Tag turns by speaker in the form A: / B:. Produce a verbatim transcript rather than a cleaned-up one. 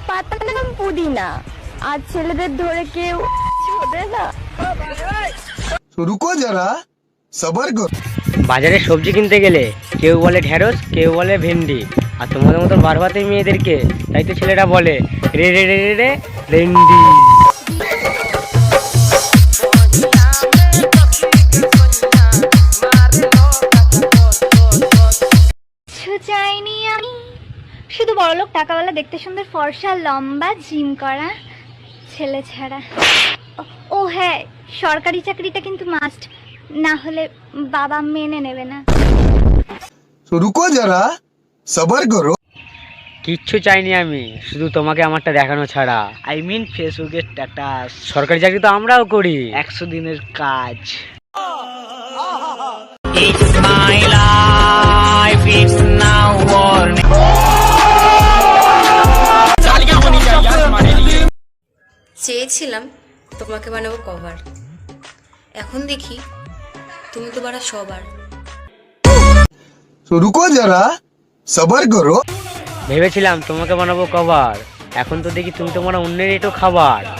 A: পাতার নাম পুদিনা, আর ছেলেদের ধরে কেউ ছোটে না।
B: রুকো যারা, সবার কর।
C: বাজারে সবজি কিনতে গেলে কেউ বলে ঢেঁড়স, কেউ বলে ভেন্ডি, আর তোমাদের মতন বারবাতে মেয়েদেরকে তাই তো ছেলেরা বলে রে রে রে রে রে রেন্ডি।
D: চাইনি আমি শুধু বড়লোক টাকাওয়ালা, দেখতে সুন্দর, ফর্সা, লম্বা, জিম করা ছেলে ছাড়া। ও হ্যাঁ, সরকারি চাকরিটা কিন্তু মাস্ট, না হলে বাবা মেনে নেবে না।
B: রুকো যারা, সবার করো।
C: কিচ্ছু চাইনি আমি, শুধু তোমাকে আমারটা দেখানো ছাড়া। আই মিন ফেসবুকের স্ট্যাটাস। সরকারি চাকরি তো আমরাও করি, একশো দিনের কাজ। It's my life, it's now or
E: চেয়েছিলাম তোমাকে বানাবো কভার, এখন দেখি তুমি তো বাড়া সবার।
B: রুকো যারা, সবার করো।
C: ভেবেছিলাম তোমাকে বানাবো কভার, এখন তো দেখি তুমি তোমার অন্যের এটো খাবার।